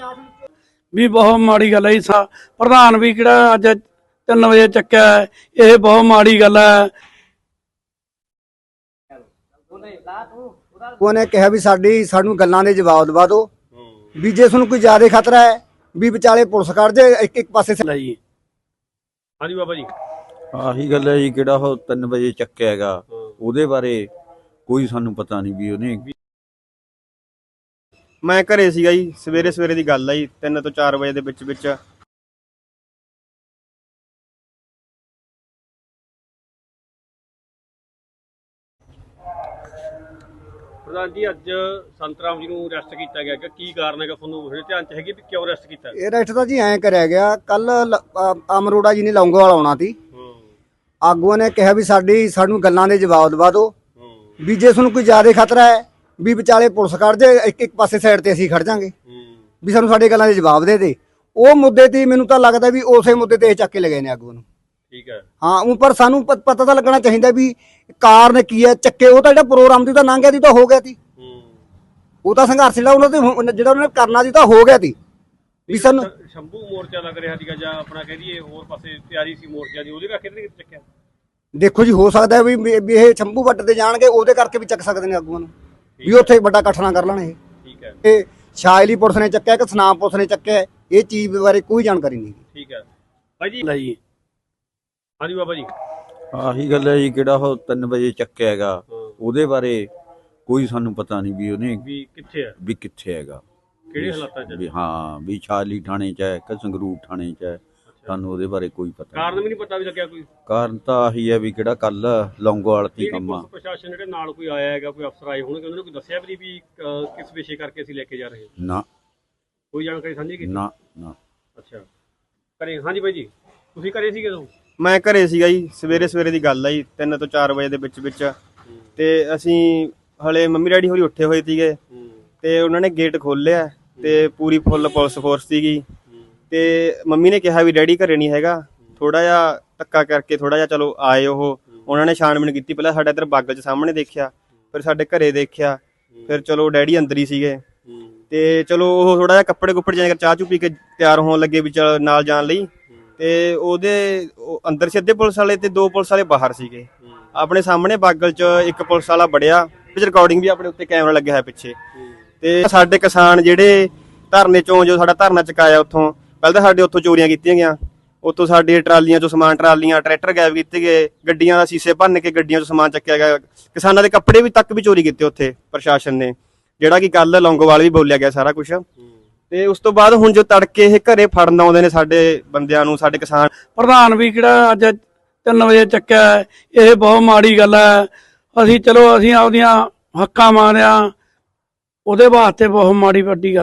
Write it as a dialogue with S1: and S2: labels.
S1: भी बहुत माड़ी गल है। प्रधान भी किहड़ा अज 3 वजे चक्या है, ये बहुत माड़ी गल है।
S2: ਉਹਨੇ ਕਿਹਾ ਵੀ ਸਾਨੂੰ ਗੱਲਾਂ ਦੇ ਜਵਾਬ ਦਵਾ ਦਿਓ ਵੀ ਜੇ ਤੁਹਾਨੂੰ ਕੋਈ ਜ਼ਿਆਦਾ ਖਤਰਾ ਹੈ ਵੀ ਵਿਚਾਲੇ ਪੁਲਿਸ ਕੱਢ ਜੇ ਇੱਕ ਪਾਸੇ
S1: जी
S3: हाँ जी बाबा जी
S4: ਆਹੀ ਗੱਲ ਹੈ ਜੀ, ਕਿਹੜਾ ਉਹ 3 ਵਜੇ ਚੱਕਿਆ ਹੈਗਾ, ਉਹਦੇ ਬਾਰੇ ਕੋਈ ਸਾਨੂੰ ਪਤਾ ਨਹੀਂ ਵੀ ਉਹਨੇ।
S5: ਮੈਂ ਘਰੇ ਸੀਗਾ ਜੀ, ਸਵੇਰੇ ਦੀ ਗੱਲ ਆ ਜੀ, 3 ਤੋਂ 4 ਵਜੇ ਦੇ ਵਿੱਚ
S3: प्रधान जी अज संत राम जी ਨੂੰ ਅਰੈਸਟ ਕੀਤਾ ਗਿਆ ਕਿ ਕੀ ਕਾਰਨ ਹੈਗਾ, ਤੁਹਾਨੂੰ ਉਹਦੇ ਧਿਆਨ ਚ ਹੈਗੀ ਵੀ ਕਿਉਂ ਅਰੈਸਟ ਕੀਤਾ?
S2: ਇਹ ਰੈਸਟ ਤਾਂ ਜੀ ਐਂ ਕਰਿਆ ਗਿਆ। ਕੱਲ ਅਮਰੋੜਾ ਜੀ ਨੇ ਲੌਂਗੋਵਾਲ ਆਉਣਾ ਸੀ, ਆਗੂਆਂ ਨੇ ਕਿਹਾ ਵੀ ਸਾਨੂੰ ਗੱਲਾਂ ਦੇ ਜਵਾਬ ਦਵਾ ਦਿਓ ਵੀ ਜੇ ਤੁਹਾਨੂੰ ਕੋਈ ਜ਼ਿਆਦਾ ਖਤਰਾ ਹੈ ਵੀ ਵਿਚਾਲੇ ਪੁਲਿਸ ਕੱਢ ਜੇ ਇੱਕ ਪਾਸੇ ਸਾਈਡ ਤੇ ਅਸੀਂ ਖੜ ਜਾਾਂਗੇ ਵੀ ਸਾਨੂੰ ਸਾਡੇ ਗੱਲਾਂ ਦੇ ਜਵਾਬ ਦੇ ਦੇ। ਉਹ ਮੁੱਦੇ ਤੇ ਮੈਨੂੰ ਤਾਂ ਲੱਗਦਾ ਵੀ ਉਸੇ ਮੁੱਦੇ ਤੇ ਇਹ ਚੱਕ ਕੇ ਲਗਾਏ ਨੇ ਆਗੂ ਨੂੰ।
S3: ਠੀਕ ਹੈ
S2: ਹਾਂ, ਉਹ ਪਰ ਸਾਨੂੰ ਪਤਾ ਤਾਂ ਲੱਗਣਾ ਚਾਹੀਦਾ ਵੀ ਕਾਰਨ ਕੀ ਹੈ ਚੱਕੇ। ਉਹ ਤਾਂ ਜਿਹੜਾ ਪ੍ਰੋਗਰਾਮ ਦੀ ਤਾਂ ਲੰਘ ਗਿਆ ਸੀ, ਤਾਂ ਹੋ ਗਿਆ ਸੀ। ਉਹ ਤਾਂ ਸੰਘਰਸ਼ ਜਿਹੜਾ ਉਹਨਾਂ ਤੇ ਜਿਹੜਾ ਉਹਨਾਂ ਨੇ ਕਰਨਾ ਸੀ ਤਾਂ ਹੋ ਗਿਆ ਸੀ ਵੀ ਸਾਨੂੰ।
S3: ਸ਼ੰਭੂ ਮੋਰਚਾ ਲੱਗ ਰਿਹਾ ਸੀਗਾ ਜਾਂ ਆਪਣਾ ਕਹਿ ਦਈਏ ਹੋਰ ਪਾਸੇ ਤਿਆਰੀ ਸੀ ਮੋਰਚਾ ਦੀ, ਉਹਦੇ ਕਰਕੇ ਨਹੀਂ ਚੱਕਿਆ?
S2: ਦੇਖੋ ਜੀ, ਹੋ ਸਕਦਾ ਵੀ ਇਹ ਸ਼ੰਭੂ ਵੱਟ ਤੇ ਜਾਣਗੇ, ਉਹਦੇ ਕਰਕੇ ਵੀ ਚੱਕ ਸਕਦੇ ਨੇ ਆਗੂਆਂ ਨੂੰ ਵੀ ਉੱਥੇ ਵੱਡਾ ਇਕੱਠ ਨਾ ਕਰ ਲੈਣ। ਇਹ
S3: ਠੀਕ ਹੈ,
S2: ਇਹ ਸ਼ਾਇਲੀ ਪੁਲਿਸ ਨੇ ਚੱਕਿਆ ਕਿ ਸਨਾਮ ਪੁਲਿਸ ਨੇ ਚੱਕਿਆ, ਇਹ ਚੀਜ਼ ਬਾਰੇ ਕੋਈ ਜਾਣਕਾਰੀ ਨਹੀਂ।
S3: ਠੀਕ ਹੈ ਭਾਈ ਜੀ।
S1: जी
S3: हाँ जी बाबा जी
S4: ਆਹੀ ਗੱਲ ਹੈ ਜੀ, ਕਿਹੜਾ ਉਹ 3 ਵਜੇ ਚੱਕਿਆ ਹੈਗਾ, ਉਹਦੇ ਬਾਰੇ ਕੋਈ ਸਾਨੂੰ ਪਤਾ ਨਹੀਂ ਵੀ ਉਹਨੇ
S3: ਵੀ ਕਿੱਥੇ ਹੈ,
S4: ਵੀ ਕਿੱਥੇ ਹੈਗਾ,
S3: ਕਿਹੜੇ ਹਾਲਾਤਾਂ ਚ?
S4: ਵੀ ਹਾਂ ਵੀ ਛਾਲੀ ਥਾਣੇ 'ਚ ਹੈ ਕਿ ਸੰਗਰੂਰ ਥਾਣੇ 'ਚ ਹੈ, ਸਾਨੂੰ ਉਹਦੇ ਬਾਰੇ ਕੋਈ ਪਤਾ
S3: ਕਾਰਨ
S4: ਨਹੀਂ।
S3: ਵੀ ਨਹੀਂ ਪਤਾ ਵੀ ਲੱਗਿਆ ਕੋਈ?
S4: ਕਾਰਨ ਤਾਂ ਆਹੀ ਹੈ ਵੀ ਕਿਹੜਾ ਕੱਲ ਲੌਂਗੋਵਾਲ ਦੀ ਕੰਮ ਆ।
S3: ਪੁਲਿਸ ਪ੍ਰਸ਼ਾਸਨ ਜਿਹੜੇ ਨਾਲ ਕੋਈ ਆਇਆ ਹੈਗਾ, ਕੋਈ ਅਫਸਰ ਆਏ ਹੋਣਗੇ, ਉਹਨਾਂ ਨੇ ਕੋਈ ਦੱਸਿਆ ਵੀ ਨਹੀਂ ਵੀ ਕਿਸ ਵਿਸ਼ੇ ਕਰਕੇ ਅਸੀਂ ਲੈ ਕੇ ਜਾ ਰਹੇ ਹਾਂ?
S4: ਨਾ
S3: ਕੋਈ ਜਾਣਕਾਰੀ ਸਾਂਝੀ ਕੀਤੀ?
S4: ਨਾ ਨਾ।
S3: ਅੱਛਾ ਘਰੇ। ਹਾਂਜੀ ਬਾਈ ਜੀ, ਤੁਸੀਂ ਘਰੇ ਸੀਗੇ ਉਦੋਂ?
S5: ਮੈਂ ਘਰੇ ਸੀਗਾ ਜੀ, ਸਵੇਰੇ ਦੀ ਗੱਲ ਆ ਜੀ, 3 ਤੋਂ 4 ਵਜੇ ਦੇ ਵਿੱਚ ਤੇ ਅਸੀਂ ਹਲੇ ਮੰਮੀ ਡੈਡੀ ਹੋਰੀ ਉੱਠੇ ਹੋਏ ਸੀਗੇ ਤੇ ਉਹਨਾਂ ਨੇ ਗੇਟ ਖੋਲ੍ਹਿਆ ਤੇ ਪੂਰੀ ਫੁੱਲ ਪੁਲਿਸ ਫੋਰਸ ਸੀਗੀ ਤੇ ਮੰਮੀ ਨੇ ਕਿਹਾ ਵੀ ਡੈਡੀ ਘਰੇ ਨਹੀਂ ਹੈਗਾ। ਥੋੜਾ ਜਿਹਾ ਧੱਕਾ ਕਰਕੇ ਥੋੜਾ ਜਿਹਾ ਚਲੋ ਆਏ ਉਹ, ਉਹਨਾਂ ਨੇ ਛਾਣਬੀਣ ਕੀਤੀ। ਪਹਿਲਾਂ ਸਾਡੇ ਇੱਧਰ ਬਾਗਲ 'ਚ ਸਾਹਮਣੇ ਦੇਖਿਆ, ਫਿਰ ਸਾਡੇ ਘਰੇ ਦੇਖਿਆ, ਫਿਰ ਚਲੋ ਡੈਡੀ ਅੰਦਰ ਹੀ ਸੀਗੇ ਤੇ ਚਲੋ ਉਹ ਥੋੜਾ ਜਿਹਾ ਕੱਪੜੇ ਕੁੱਪੜੇ ਜਾਂ ਚਾਹ ਚੂ ਪੀ ਕੇ ਤਿਆਰ ਹੋਣ ਲੱਗੇ ਵੀ ਚਲ ਨਾਲ ਜਾਣ ਲਈ, ਤੇ ਉਹਦੇ ਅੰਦਰ ਸੀ ਅੱਧੇ ਪੁਲਿਸ ਵਾਲੇ ਤੇ 2 ਪੁਲਿਸ ਵਾਲੇ ਬਾਹਰ ਸੀਗੇ। ਆਪਣੇ ਸਾਹਮਣੇ ਬਾਗਲ 'ਚ ਇੱਕ ਪੁਲਿਸ ਵਾਲਾ ਵੜਿਆ, ਵਿੱਚ ਰਿਕਾਰਡਿੰਗ ਵੀ ਆਪਣੇ ਉੱਤੇ ਕੈਮਰਾ ਲੱਗਿਆ ਹੋਇਆ ਪਿੱਛੇ। ਤੇ ਸਾਡੇ ਕਿਸਾਨ ਜਿਹੜੇ ਧਰਨੇ ਚੋਂ ਜੋ ਸਾਡਾ ਧਰਨਾ ਚੁਕਾਇਆ, ਉੱਥੋਂ ਪਹਿਲਾਂ ਤਾਂ ਸਾਡੇ ਉੱਥੋਂ ਚੋਰੀਆਂ ਕੀਤੀਆਂ ਗਈਆਂ, ਉੱਥੋਂ ਸਾਡੀਆਂ ਟਰਾਲੀਆਂ ਚੋਂ ਸਮਾਨ, ਟਰਾਲੀਆਂ ਟਰੈਕਟਰ ਗਾਇਬ ਕੀਤੇ ਗਏ, ਗੱਡੀਆਂ ਦਾ ਸ਼ੀਸ਼ੇ ਭੰਨ ਕੇ ਗੱਡੀਆਂ ਚੋਂ ਸਮਾਨ ਚੱਕਿਆ ਗਿਆ, ਕਿਸਾਨਾਂ ਦੇ ਕੱਪੜੇ ਵੀ ਤੱਕ ਵੀ ਚੋਰੀ ਕੀਤੇ ਉੱਥੇ ਪ੍ਰਸ਼ਾਸਨ ਨੇ, ਜਿਹੜਾ ਕਿ ਕੱਲ ਲੌਂਗੋਵਾਲ ਵੀ ਬੋਲਿਆ ਗਿਆ ਸਾਰਾ ਕੁਛ। ਤੇ ਉਸ ਤੋਂ ਬਾਅਦ ਹੁਣ ਜੋ ਤੜਕੇ ਇਹ ਘਰੇ ਫੜਨ ਆਉਂਦੇ ਨੇ ਸਾਡੇ ਬੰਦਿਆਂ ਨੂੰ, ਸਾਡੇ ਕਿਸਾਨ।
S1: प्रधान भी किहड़ा अज 3 वजे चक्या है, ये बहुत माड़ी गल है। असी चलो असी आपदियां हक्कां मारिया, ਉਹਦੇ ਵਾਸਤੇ बहुत माड़ी वड्डी गल।